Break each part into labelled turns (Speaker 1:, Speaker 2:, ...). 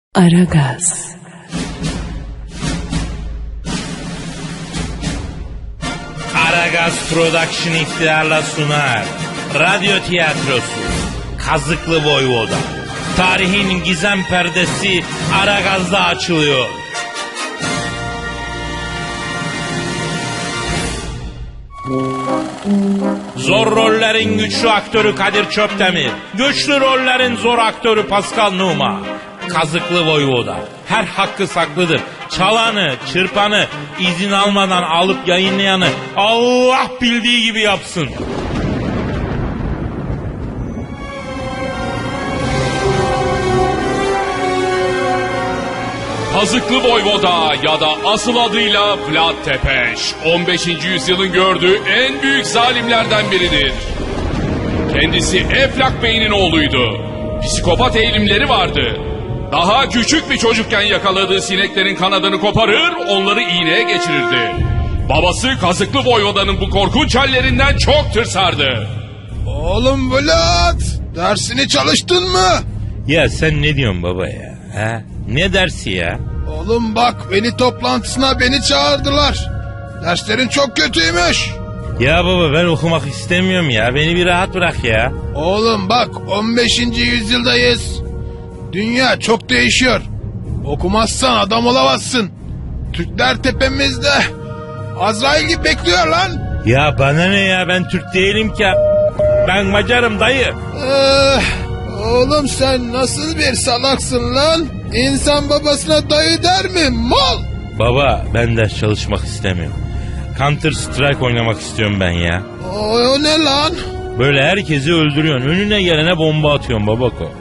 Speaker 1: Aragaz.
Speaker 2: Aragaz Production iftiharla sunar. Radyo tiyatrosu Kazıklı Voyvoda. Tarihin gizem perdesi Aragaz'da açılıyor. Zor rollerin güçlü aktörü Kadir Çöptemir. Güçlü rollerin zor aktörü Pascal Numa. Kazıklı Voyvoda. Her hakkı saklıdır. Çalanı, çırpanı, izin almadan alıp yayınlayanı Allah bildiği gibi yapsın.
Speaker 3: Kazıklı Voyvoda ya da asıl adıyla Vlad Tepes, 15. yüzyılın gördüğü en büyük zalimlerden biridir. Kendisi Eflak Bey'in oğluydu. Psikopat eğilimleri vardı. Daha küçük bir çocukken yakaladığı sineklerin kanadını koparır, onları iğneye geçirirdi. Babası Kazıklı Voyvoda'nın bu korkunç hallerinden çok tırsardı.
Speaker 4: Oğlum Vlad, dersini çalıştın mı?
Speaker 2: Ya sen ne diyorsun baba ya? Ha? Ne dersi ya?
Speaker 4: Oğlum bak, veli toplantısına beni çağırdılar. Derslerin çok kötüymüş.
Speaker 2: Ya baba ben okumak istemiyorum ya. Beni bir rahat bırak ya.
Speaker 4: Oğlum bak, 15. yüzyıldayız. Dünya çok değişiyor. Okumazsan adam olamazsın. Türkler tepemizde. Azrail gibi bekliyor lan.
Speaker 2: Ya bana ne ya, ben Türk değilim ki. Ben Macarım dayı.
Speaker 4: Oğlum sen nasıl bir salaksın lan? İnsan babasına dayı der mi? Mal!
Speaker 2: Baba ben ders çalışmak istemiyorum. Counter Strike oynamak istiyorum ben ya.
Speaker 4: O ne lan?
Speaker 2: Böyle herkesi öldürüyorsun. Önüne gelene bomba atıyorsun babako.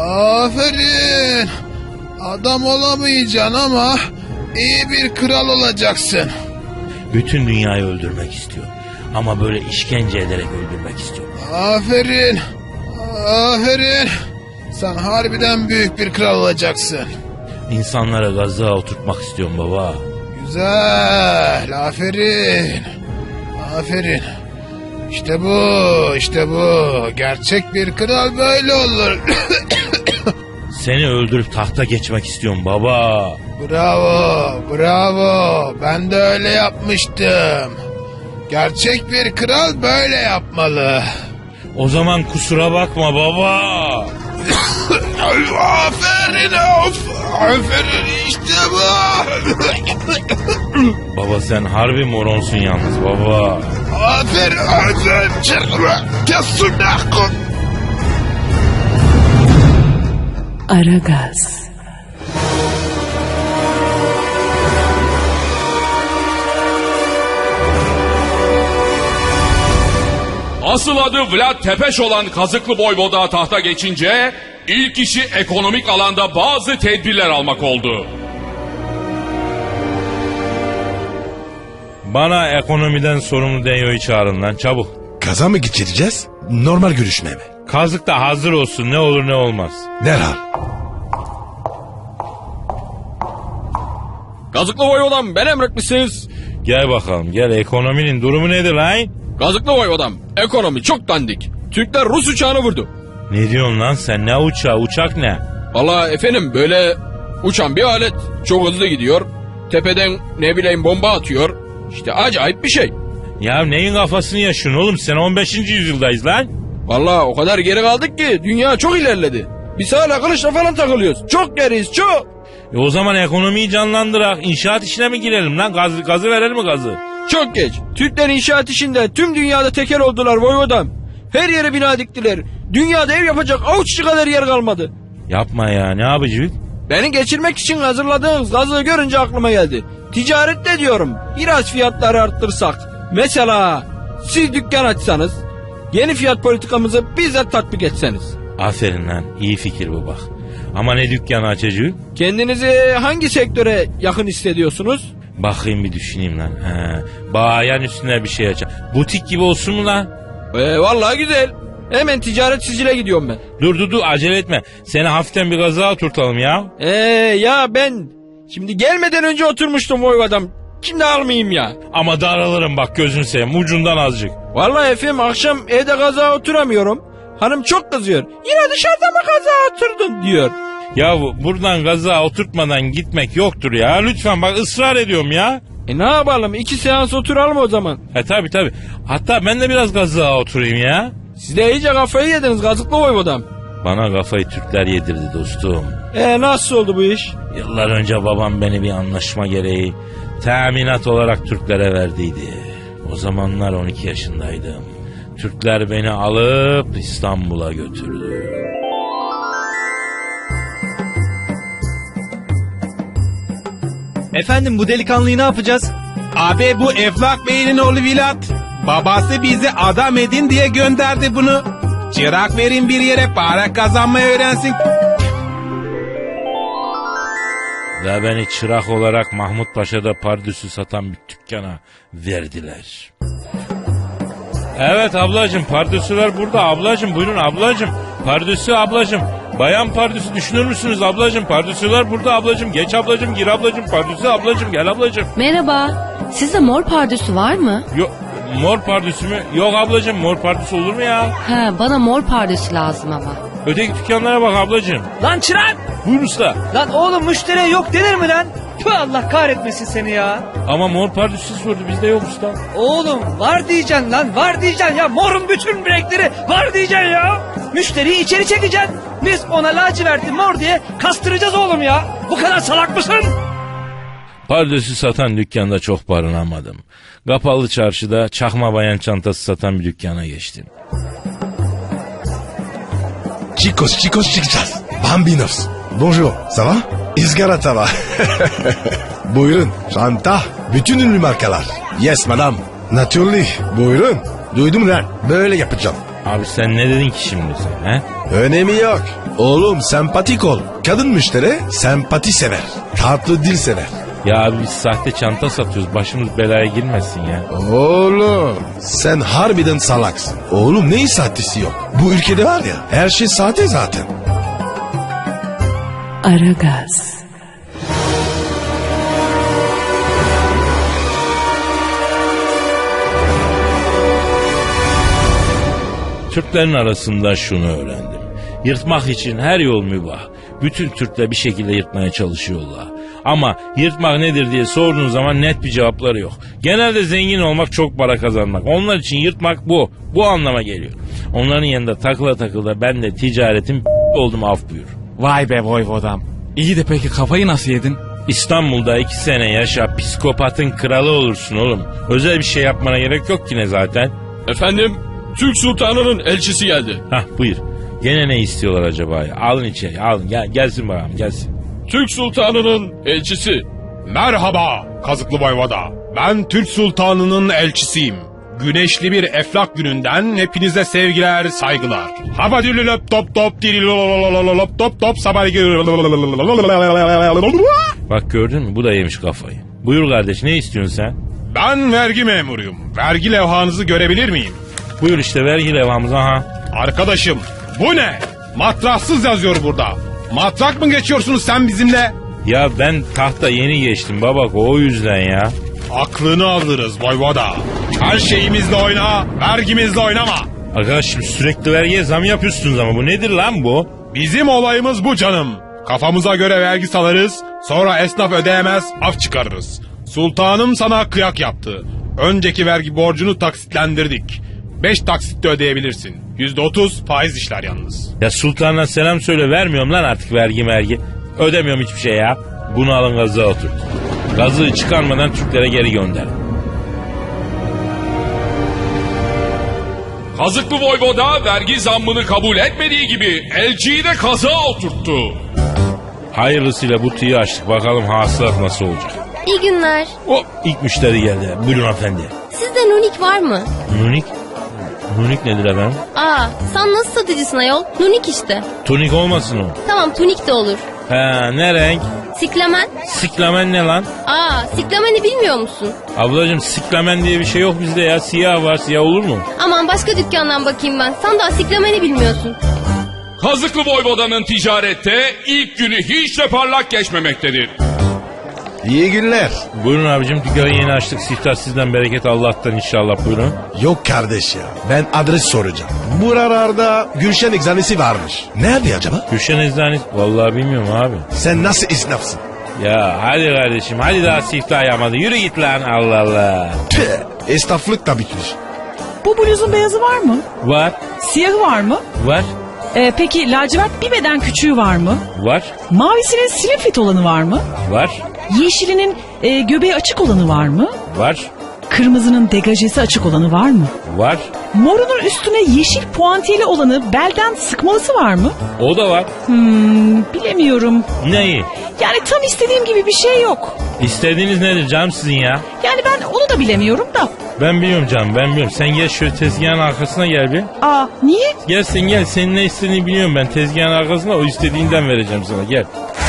Speaker 4: Aferin. Adam olamayacaksın ama iyi bir kral olacaksın.
Speaker 2: Bütün dünyayı öldürmek istiyorum. Ama böyle işkence ederek öldürmek istiyorum.
Speaker 4: Aferin. Aferin. Sen harbiden büyük bir kral olacaksın.
Speaker 2: İnsanlara gazlığa oturtmak istiyorum baba.
Speaker 4: Güzel. Aferin. Aferin. İşte bu. İşte bu. Gerçek bir kral böyle olur.
Speaker 2: Seni öldürüp tahta geçmek istiyorum baba.
Speaker 4: Bravo. Bravo. Ben de öyle yapmıştım. Gerçek bir kral böyle yapmalı.
Speaker 2: O zaman kusura bakma baba.
Speaker 4: Aferin of. Aferin işte bu.
Speaker 2: Baba sen harbi moronsun yalnız baba.
Speaker 4: Aferin. Aferin. Kesin.
Speaker 1: Aragaz.
Speaker 3: Asıl adı Vlad Tepes olan Kazıklı Voyvoda tahta geçince ilk işi ekonomik alanda bazı tedbirler almak oldu.
Speaker 2: Bana ekonomiden sorumlu Denyo'yu çağırın lan çabuk.
Speaker 5: Kaza mı geçireceğiz? Normal görüşme mi?
Speaker 2: Kazık da hazır olsun, ne olur ne olmaz.
Speaker 5: Derhal.
Speaker 6: Kazıklı Voyvodam, ben emretmişsiniz.
Speaker 2: Gel bakalım gel, ekonominin durumu nedir lan?
Speaker 6: Kazıklı Voyvodam, ekonomi çok dandik. Türkler Rus uçağını vurdu.
Speaker 2: Ne diyorsun lan sen, ne uçağı, uçak ne?
Speaker 6: Vallahi efendim böyle uçan bir alet. Çok hızlı gidiyor. Tepeden ne bileyim bomba atıyor. İşte acayip bir şey.
Speaker 2: Ya neyin kafasını yaşıyorsun oğlum, sen 15. yüzyıldayız lan.
Speaker 6: Vallahi o kadar geri kaldık ki dünya çok ilerledi. Biz hala kılıçla falan takılıyoruz. Çok geriyiz çok.
Speaker 2: O zaman ekonomiyi canlandırak inşaat işine mi girelim lan, gazı verelim mi gazı?
Speaker 6: Çok geç. Türkler inşaat işinde tüm dünyada tekel oldular Voyvodam. Her yere bina diktiler. Dünyada ev yapacak avuççu kadar yer kalmadı.
Speaker 2: Yapma ya, ne yapıcı?
Speaker 6: Beni geçirmek için hazırladığınız gazı görünce aklıma geldi. Ticarette diyorum biraz fiyatları arttırsak. Mesela siz dükkan açsanız, yeni fiyat politikamızı bizzat tatbik etseniz.
Speaker 2: Aferin lan, iyi fikir bu bak. Ama ne dükkanı açacağız?
Speaker 6: Kendinizi hangi sektöre yakın hissediyorsunuz?
Speaker 2: Bakayım bir düşüneyim lan. Bayan üstüne bir şey açacağım. Butik gibi olsun mu lan?
Speaker 6: Vallahi güzel. Hemen ticaret sicile gidiyorum ben.
Speaker 2: Dur acele etme. Seni hafiften bir gaza oturtalım ya.
Speaker 6: Ya ben şimdi gelmeden önce oturmuştum Voyvodam. Şimdi almayayım ya.
Speaker 2: Ama daralırım bak, gözünü seveyim, ucundan azıcık.
Speaker 6: Vallahi efendim akşam evde gaza oturamıyorum. Hanım çok kızıyor. Yine dışarıda mı gaza oturdun diyor.
Speaker 2: Ya buradan gaza oturtmadan gitmek yoktur ya. Lütfen bak, ısrar ediyorum ya.
Speaker 6: Ne yapalım, 2 seans oturalım o zaman.
Speaker 2: Tabii. Hatta ben de biraz gaza oturayım ya.
Speaker 6: Siz de iyice kafayı yediniz Kazıklı Voyvodam.
Speaker 2: Bana kafayı Türkler yedirdi dostum.
Speaker 6: Nasıl oldu bu iş?
Speaker 2: Yıllar önce babam beni bir anlaşma gereği teminat olarak Türklere verdiydi. O zamanlar 12 yaşındaydım. Türkler beni alıp İstanbul'a götürdü.
Speaker 1: Efendim bu delikanlıyı ne yapacağız?
Speaker 7: Abi bu Eflak Bey'in oğlu Vilat. Babası bizi adam edin diye gönderdi bunu. Çırak verin bir yere para kazanmayı öğrensin.
Speaker 2: Ve beni çırak olarak Mahmut Paşa'da pardüsü satan bir dükkana verdiler. Evet ablacığım, pardüsüler burada ablacığım, buyurun ablacığım. Pardüsü ablacığım. Bayan pardüsü düşünür müsünüz ablacığım? Pardüsüler burada ablacığım. Geç ablacığım, gir ablacığım. Pardüsü ablacığım, gel ablacığım.
Speaker 8: Merhaba. Sizde mor pardösü var mı?
Speaker 2: Yok, mor pardüsü mü? Yok ablacığım, mor pardüsü olur mu ya?
Speaker 8: Ha, bana mor pardösü lazım ama.
Speaker 2: Öteki dükkanlara bak ablacığım.
Speaker 1: Lan çırak!
Speaker 2: Buyur usta.
Speaker 1: Lan oğlum müşteriye yok denir mi lan? Tüh, Allah kahretmesin seni ya.
Speaker 2: Ama mor pardüsü sordu, bizde yok usta.
Speaker 1: Oğlum var diyeceksin lan, var diyeceksin ya. Morun bütün renkleri var diyeceksin ya. Müşteriyi içeri çekeceksin. Biz ona laciverti mor diye kastıracağız oğlum ya. Bu kadar salak mısın?
Speaker 2: Pardösü satan dükkanda çok barınamadım. Kapalı çarşıda çakma bayan çantası satan bir dükkana geçtim.
Speaker 5: Chicos çıkacağız. Bambinos. Bonjour. Ça va? İzgara tava. Buyurun. Çanta. Bütün ünlü markalar. Yes madam. Naturally. Buyurun. Duydum lan. Böyle yapacağım.
Speaker 2: Abi sen ne dedin ki şimdi sen he?
Speaker 5: Önemi yok. Oğlum sempatik ol. Kadın müşteri sempati sever. Tatlı dil sever.
Speaker 2: Ya abi biz sahte çanta satıyoruz, başımız belaya girmesin ya.
Speaker 5: Oğlum sen harbiden salaksın. Oğlum neyin sahtesi yok? Bu ülkede var ya her şey sahte zaten.
Speaker 8: Aragaz.
Speaker 2: Türklerin arasında şunu öğrendim. Yırtmak için her yol mübah. Bütün Türkler bir şekilde yırtmaya çalışıyorlar. Ama yırtmak nedir diye sorduğun zaman net bir cevapları yok. Genelde zengin olmak, çok para kazanmak. Onlar için yırtmak bu. Bu anlama geliyor. Onların yanında takıla ben de ticaretim oldum, af buyur.
Speaker 7: Vay be voyvodam. İyi de peki kafayı nasıl yedin?
Speaker 2: İstanbul'da 2 sene yaşa, psikopatın kralı olursun oğlum. Özel bir şey yapmana gerek yok ki ne zaten.
Speaker 3: Efendim, Türk Sultanı'nın elçisi geldi.
Speaker 2: Hah buyur. Gene ne istiyorlar acaba ya? Alın içeri, alın. Gelsin bakalım, gelsin.
Speaker 3: Türk Sultanı'nın elçisi.
Speaker 7: Merhaba Kazıklı Voyvoda. Ben Türk Sultanı'nın elçisiyim. Güneşli bir Eflak gününden hepinize sevgiler, saygılar. Habadülü löp top top dirilololololop top top sabah.
Speaker 2: Bak gördün mü, bu da yemiş kafayı. Buyur kardeş, ne istiyorsun sen?
Speaker 7: Ben vergi memuruyum. Vergi levhanızı görebilir miyim?
Speaker 2: Buyur işte vergi levhamız, aha.
Speaker 7: Arkadaşım bu ne? Matraksız yazıyor burada. Matrak mı geçiyorsunuz sen bizimle?
Speaker 2: Ya ben tahta yeni geçtim babak, o yüzden ya.
Speaker 7: Aklını alırız Voyvoda. Her şeyimizle oyna, vergimizle oynama.
Speaker 2: Arkadaşım sürekli vergiye zam yapıyorsunuz ama bu nedir lan bu?
Speaker 7: Bizim olayımız bu canım. Kafamıza göre vergi salarız, sonra esnaf ödeyemez, af çıkarırız. Sultanım sana kıyak yaptı. Önceki vergi borcunu taksitlendirdik. 5 taksitte ödeyebilirsin. %30 faiz işler yalnız.
Speaker 2: Ya sultana selam söyle, vermiyorum lan artık vergi. Ödemiyorum hiçbir şey ya. Bunu alın gazığa otur. Gazığı çıkarmadan Türklere geri gönder.
Speaker 3: Kazıklı Voyvoda vergi zammını kabul etmediği gibi elçiyi de kazığa oturttu.
Speaker 2: Hayırlısıyla butiği açtık, bakalım hasılat nasıl olacak.
Speaker 8: İyi günler.
Speaker 2: Hop, ilk müşteri geldi. Buyurun efendi.
Speaker 8: Sizde nunik var mı?
Speaker 2: Nunik? Nunik nedir efendim?
Speaker 8: Sen nasıl satıcısın ayol? Nunik işte.
Speaker 2: Tonik olmasın o.
Speaker 8: Tamam, tunik de olur.
Speaker 2: He, ne renk?
Speaker 8: Siklamen?
Speaker 2: Siklamen ne lan?
Speaker 8: Siklameni bilmiyor musun?
Speaker 2: Ablacığım siklamen diye bir şey yok bizde ya. Siyah var, siyah olur mu?
Speaker 8: Aman başka dükkandan bakayım ben. Sen daha siklameni bilmiyorsun.
Speaker 3: Kazıklı Voyvoda'nın ticarette ilk günü hiç de parlak geçmemektedir.
Speaker 5: İyi günler.
Speaker 2: Buyurun abicim, dükkanı yeni açtık. Siftah sizden, bereket Allah'tan inşallah, buyurun.
Speaker 5: Yok kardeş ya. Ben adres soracağım. Buralarda Gülşen eczanesi varmış. Nerede acaba?
Speaker 2: Gülşen Eczanesi, vallahi bilmiyorum abi.
Speaker 5: Sen nasıl esnafsın?
Speaker 2: Ya hadi kardeşim, hadi daha siftah yapmadı. Yürü git lan, Allah Allah.
Speaker 5: Tüh, esnaflık da bitmiş.
Speaker 9: Bu bluzun beyazı var mı?
Speaker 2: Var,
Speaker 9: Siyahı var mı?
Speaker 2: var,
Speaker 9: Peki lacivert bir beden küçüğü var mı?
Speaker 2: var,
Speaker 9: Mavisinin slim fit olanı var mı?
Speaker 2: var,
Speaker 9: Yeşilinin göbeği açık olanı var mı?
Speaker 2: var,
Speaker 9: Kırmızının degajesi açık olanı var mı?
Speaker 2: var.
Speaker 9: Morunun üstüne yeşil puantiyeli olanı belden sıkmalısı var mı?
Speaker 2: O da var.
Speaker 9: Bilemiyorum.
Speaker 2: Neyi?
Speaker 9: Yani tam istediğim gibi bir şey yok.
Speaker 2: İstediğiniz nedir canım sizin ya?
Speaker 9: Yani ben onu da bilemiyorum da.
Speaker 2: Ben biliyorum canım, ben biliyorum. Sen gel şöyle tezgahın arkasına gel bir.
Speaker 9: Niye?
Speaker 2: Gel sen gel, senin ne istediğini biliyorum ben. Tezgahın arkasına, o istediğinden vereceğim sana, gel.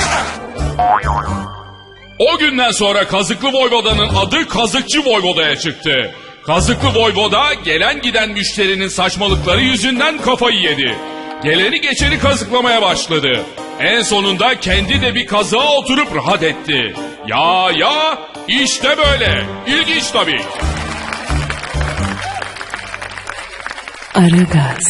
Speaker 3: O günden sonra Kazıklı Voyvoda'nın adı Kazıkçı Voyvoda'ya çıktı. Kazıklı Voyvoda gelen giden müşterinin saçmalıkları yüzünden kafayı yedi. Geleni geçeni kazıklamaya başladı. En sonunda kendi de bir kazığa oturup rahat etti. Ya işte böyle. İlginç tabii.
Speaker 9: Aragaz.